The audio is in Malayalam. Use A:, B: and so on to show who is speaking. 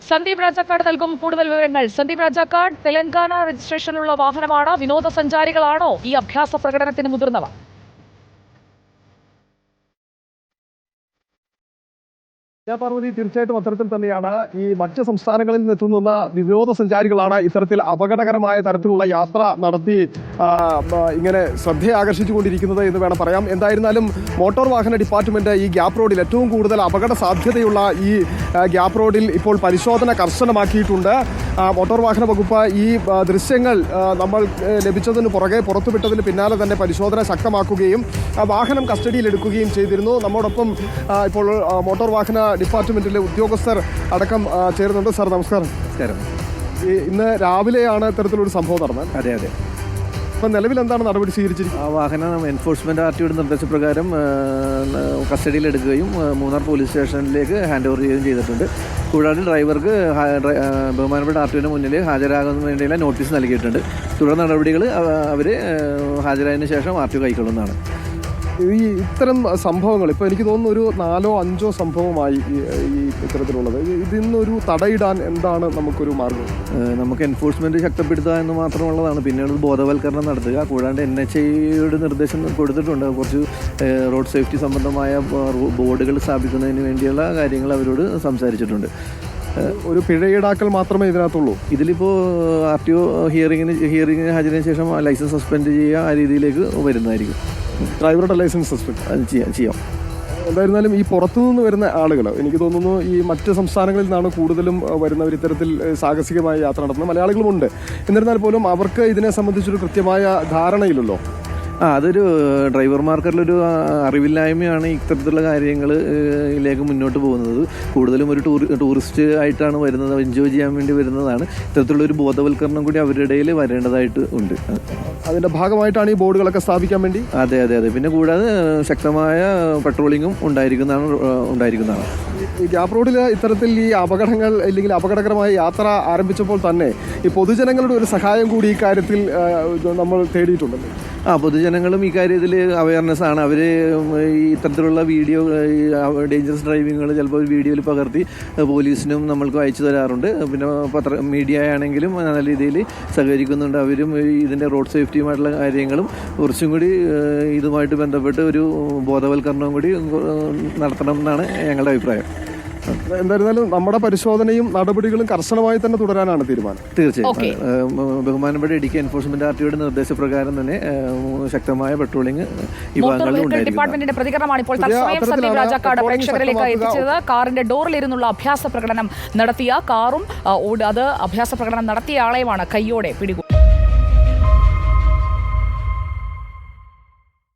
A: സന്ദീപ് രാജാക്കാട് നൽകും കൂടുതൽ വിവരങ്ങൾ. സന്ദീപ് രാജാക്കാട്, തെലങ്കാന രജിസ്ട്രേഷനിലുള്ള വാഹനമാണ്. വിനോദസഞ്ചാരികളാണോ ഈ അഭ്യാസ പ്രകടനത്തിന് മുതിർന്നവർ?
B: പാർവതി, തീർച്ചയായിട്ടും അത്തരത്തിൽ തന്നെയാണ്. ഈ മറ്റ് സംസ്ഥാനങ്ങളിൽ നിന്നെത്തുന്ന വിനോദസഞ്ചാരികളാണ് ഇത്തരത്തിൽ അപകടകരമായ തരത്തിലുള്ള യാത്ര നടത്തി ഇങ്ങനെ ശ്രദ്ധയെ ആകർഷിച്ചുകൊണ്ടിരിക്കുന്നത് എന്ന് വേണം പറയാം. എന്തായിരുന്നാലും മോട്ടോർ വാഹന ഡിപ്പാർട്ട്മെന്റ് ഈ ഗ്യാപ് റോഡിൽ ഏറ്റവും കൂടുതൽ അപകട സാധ്യതയുള്ള ഈ ഗ്യാപ് റോഡിൽ ഇപ്പോൾ പരിശോധന കർശനമാക്കിയിട്ടുണ്ട്. മോട്ടോർ വാഹന വകുപ്പ് ഈ ദൃശ്യങ്ങൾ നമ്മൾ ലഭിച്ചതിന് പുറകെ പുറത്തുവിട്ടതിന് പിന്നാലെ തന്നെ പരിശോധന ശക്തമാക്കുകയും വാഹനം കസ്റ്റഡിയിലെടുക്കുകയും ചെയ്തിരുന്നു. നമ്മോടൊപ്പം ഇപ്പോൾ മോട്ടോർ വാഹന ഡിപ്പാർട്ട്മെന്റിലെ ഉദ്യോഗസ്ഥർ അടക്കം ചേരുന്നുണ്ട്. സാർ നമസ്കാരം. ഇന്ന് രാവിലെയാണ് ഇത്തരത്തിലൊരു സംഭവം നടന്നത്.
C: അതെ.
B: ഇപ്പം നിലവിൽ എന്താണ് നടപടി സ്വീകരിച്ചിരിക്കുന്നത്?
C: ആ വാഹനം എൻഫോഴ്സ്മെന്റ് ആർടിയുടെ നിർദ്ദേശപ്രകാരം കസ്റ്റഡിയിലെടുക്കുകയും മൂന്നാർ പോലീസ് സ്റ്റേഷനിലേക്ക് ഹാൻഡ് ഓവർ ചെയ്യുകയും ചെയ്തിട്ടുണ്ട്. കൂടാതെ ഡ്രൈവർക്ക് ബഹുമാനപ്പെട്ട ആർടിഒന് മുന്നിൽ ഹാജരാകുന്നതിന് വേണ്ടിയുള്ള നോട്ടീസ് നൽകിയിട്ടുണ്ട്. തുടർ നടപടികൾ അവർ ഹാജരായതിനു ശേഷം ആർടിഒ കൈക്കൊള്ളുന്നതാണ്.
B: ഈ ഇത്തരം സംഭവങ്ങൾ ഇപ്പോൾ എനിക്ക് തോന്നുന്നു ഒരു 4-5 സംഭവമായി ഈ ഇത്തരത്തിലുള്ളത്. ഇതിന്നൊരു തടയിടാൻ എന്താണ് നമുക്കൊരു മാർഗം?
C: നമുക്ക് എൻഫോഴ്സ്മെന്റ് ശക്തിപ്പെടുത്തുക എന്ന് മാത്രമുള്ളതാണ്. പിന്നീട് ബോധവൽക്കരണം നടത്തുക. കൂടാണ്ട് NHAIയുടെ നിർദ്ദേശം കൊടുത്തിട്ടുണ്ട്. കുറച്ച് റോഡ് സേഫ്റ്റി സംബന്ധമായ ബോർഡുകൾ സ്ഥാപിക്കുന്നതിന് വേണ്ടിയുള്ള കാര്യങ്ങൾ അവരോട് സംസാരിച്ചിട്ടുണ്ട്.
B: ഒരു പിഴ ഈടാക്കൽ മാത്രമേ ഇതിനകത്തുള്ളൂ.
C: ഇതിലിപ്പോൾ ആർടിഒ ഹിയറിങ്ങിന് ഹാജരായതിനു ശേഷം ലൈസൻസ് സസ്പെൻഡ് ചെയ്യുക, ആ രീതിയിലേക്ക് വരുന്നതായിരിക്കും.
B: ഡ്രൈവറുടെ ലൈസൻസ് സസ്പെൻഡ്
C: അത് ചെയ്യാം.
B: എന്തായിരുന്നാലും ഈ പുറത്തുനിന്ന് വരുന്ന ആളുകൾ, എനിക്ക് തോന്നുന്നു ഈ മറ്റ് സംസ്ഥാനങ്ങളിൽ നിന്നാണ് കൂടുതലും വരുന്നവർ ഇത്തരത്തിൽ സാഹസികമായ യാത്ര നടത്തുന്നത്. മലയാളികളുമുണ്ട്. എന്നിരുന്നാൽ പോലും അവർക്ക് ഇതിനെ സംബന്ധിച്ചൊരു കൃത്യമായ ധാരണയില്ലല്ലോ.
C: അതൊരു ഡ്രൈവർമാർക്കുള്ളൊരു അറിവില്ലായ്മയാണ് ഇത്തരത്തിലുള്ള കാര്യങ്ങളിലേക്ക് മുന്നോട്ട് പോകുന്നത്. കൂടുതലും ഒരു ടൂറിസ്റ്റ് ആയിട്ടാണ് വരുന്നത്, എൻജോയ് ചെയ്യാൻ വേണ്ടി വരുന്നതാണ്. ഇത്തരത്തിലുള്ളൊരു ബോധവൽക്കരണം കൂടി അവരുടെ ഇടയിൽ വരേണ്ടതായിട്ട് ഉണ്ട്.
B: അതിൻ്റെ ഭാഗമായിട്ടാണ് ഈ ബോർഡുകളൊക്കെ സ്ഥാപിക്കാൻ വേണ്ടി.
C: അതെ. പിന്നെ കൂടാതെ ശക്തമായ പെട്രോളിങ്ങും ഉണ്ടായിരിക്കുന്നതാണ്.
B: ഈ ഗ്യാപ് റോഡിൽ ഇത്തരത്തിൽ ഈ അപകടങ്ങൾ അല്ലെങ്കിൽ അപകടകരമായ യാത്ര ആരംഭിച്ചപ്പോൾ തന്നെ ഈ പൊതുജനങ്ങളുടെ ഒരു സഹായം കൂടി ഈ കാര്യത്തിൽ നമ്മൾ തേടിയിട്ടുണ്ടല്ലോ.
C: പൊതുജനങ്ങളും ഈ കാര്യത്തിൽ അവയർനെസ് ആണ്. അവർ ഈ ഇത്തരത്തിലുള്ള വീഡിയോ, ഡേഞ്ചറസ് ഡ്രൈവിങ്ങുകൾ ചിലപ്പോൾ വീഡിയോയിൽ പകർത്തി പോലീസിനും നമ്മൾക്ക് അയച്ചു തരാറുണ്ട്. പിന്നെ മീഡിയ ആണെങ്കിലും നല്ല രീതിയിൽ സഹകരിക്കുന്നുണ്ട്. അവരും ഇതിൻ്റെ റോഡ് സേഫ്റ്റിയുമായിട്ടുള്ള കാര്യങ്ങളും കുറച്ചും കൂടി ഇതുമായിട്ട് ബന്ധപ്പെട്ട് ഒരു ബോധവൽക്കരണവും കൂടി നടത്തണം എന്നാണ് ഞങ്ങളുടെ അഭിപ്രായം.
B: എന്തായിരുന്നാലും നമ്മുടെ പരിശോധനയും നടപടികളും കർശനമായി തന്നെ തുടരാനാണ് തീരുമാനം.
C: തീർച്ചയായും ബഹുമാനപ്പെട്ട ഇടുക്കി എൻഫോഴ്സ്മെന്റ് ആർടിയുടെ നിർദ്ദേശപ്രകാരം തന്നെ ശക്തമായ പെട്രോളിംഗ് ഈ ഭാഗങ്ങളിൽ
A: ഡിപ്പാർട്ട്മെന്റിന്റെ പ്രതികരണമാണ് ഇപ്പോൾ തത്സമയം സന്ദീപ് രാജാക്കാട് പ്രേക്ഷകരിലേക്ക് എത്തിച്ചത്. കാറിന്റെ ഡോറിലിരുന്നുള്ള അഭ്യാസ പ്രകടനം നടത്തിയ കാറും അത് അഭ്യാസ പ്രകടനം നടത്തിയ ആളെയുമാണ് കയ്യോടെ പിടികൂടി.